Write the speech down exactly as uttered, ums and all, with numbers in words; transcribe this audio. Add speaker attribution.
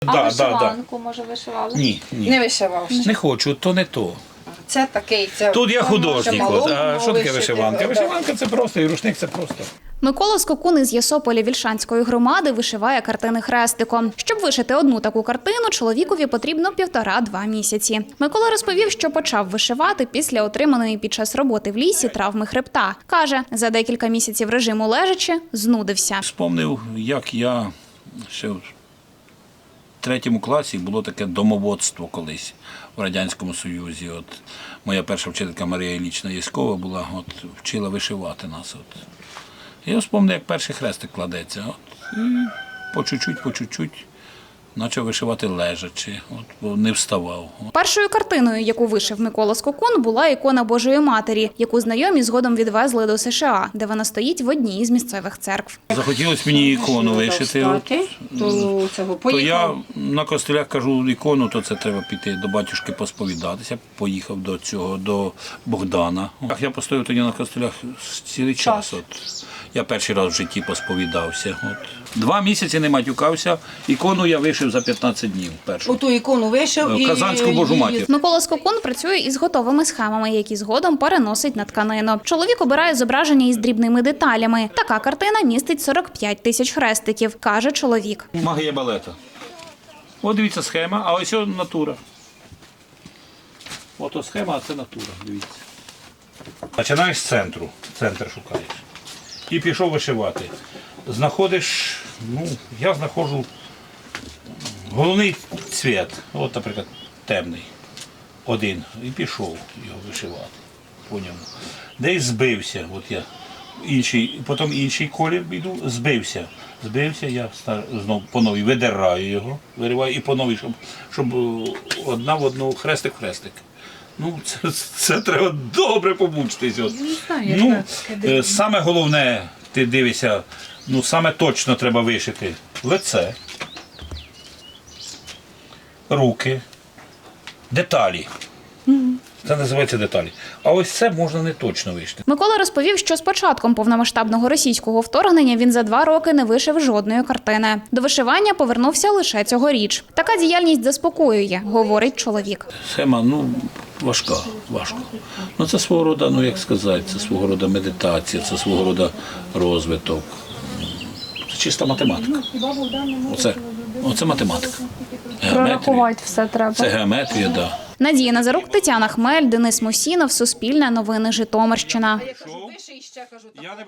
Speaker 1: А
Speaker 2: да,
Speaker 1: вишиванку,
Speaker 2: да.
Speaker 1: може, вишивали?
Speaker 2: Ні, ні.
Speaker 3: Не вишивав.
Speaker 2: Не хочу, то не то.
Speaker 3: Це такий. Це
Speaker 2: Тут я
Speaker 3: може
Speaker 2: художник.
Speaker 3: малому
Speaker 2: От. А що таке
Speaker 3: вишити,
Speaker 2: вишиванка?
Speaker 3: да.
Speaker 2: Вишиванка це просто, і рушник це просто.
Speaker 1: Микола Скокун із Ясополя Вільшанської громади вишиває картини хрестиком. Щоб вишити одну таку картину, чоловікові потрібно півтора-два місяці. Микола розповів, що почав вишивати після отриманої під час роботи в лісі травми хребта. Каже, за декілька місяців режиму лежачи знудився.
Speaker 2: Вспомнив, як я ще в третьому класі було таке домоводство колись в Радянському Союзі. От моя перша вчителька Марія Іллічна Яськова була, от вчила вишивати нас. От. Я вспомнив, як перший хрестик кладеться. От, і по чуть-чуть, по чуть-чуть почав вишивати лежачи, от, бо не вставав. От.
Speaker 1: Першою картиною, яку вишив Микола Скокун, була ікона Божої Матері, яку знайомі згодом відвезли до США, де вона стоїть в одній із місцевих церкв.
Speaker 2: Захотілося мені ікону вишити. От,
Speaker 3: То, цього,
Speaker 2: то я
Speaker 3: поїхав.
Speaker 2: на костелях кажу ікону, то це треба піти до батюшки посповідатися. Поїхав до цього, до Богдана. Я постояв тоді на костелях цілий час. От. Я перший раз в житті посповідався. От. Два місяці не матюкався. Ікону я вишив за п'ятнадцять днів. Першу.
Speaker 3: Оту ікону вишив і...
Speaker 2: Казанську Божу Матір.
Speaker 1: Микола Скокун працює із готовими схемами, які згодом переносить на тканину. Чоловік обирає зображення із дрібними деталями. Така картина містить сорок п'ять тисяч хрестиків, каже чоловік.
Speaker 2: Магія балета. От дивіться схема, а ось натура. Ото схема, а це натура, дивіться. Починаєш з центру, центр шукаєш. І пішов вишивати. Знаходиш, ну, я знаходжу головний цвіт, от, наприклад, темний, один, і пішов його вишивати по ньому. Десь збився, от я, інший, потім інший колір йду, збився. Збився, я знову по новій видираю його, вириваю і по новій, щоб, щоб одна в одну хрестик-хрестик. Ну, це, це треба добре помучитись. От. Ну, е, саме головне, ти дивишся, ну, саме точно треба вишити лице, руки, деталі. Це називається деталі. А ось це можна не точно вишити.
Speaker 1: Микола розповів, що з початком повномасштабного російського вторгнення він за два роки не вишив жодної картини. До вишивання повернувся лише цьогоріч. Така діяльність заспокоює, говорить чоловік.
Speaker 2: Схема, ну, важка, важко. Ну, це свого роду, ну, як сказати, це свого роду медитація, це свого роду розвиток. Це чиста математика. Оце, оце математика.
Speaker 1: Прорахувати все треба.
Speaker 2: Це геометрія, так. Да.
Speaker 1: Надія Назарук, Тетяна Хмель, Денис Мусінов, Суспільне новини, Житомирщина.
Speaker 3: Я кажу, виший ще, кажу, так.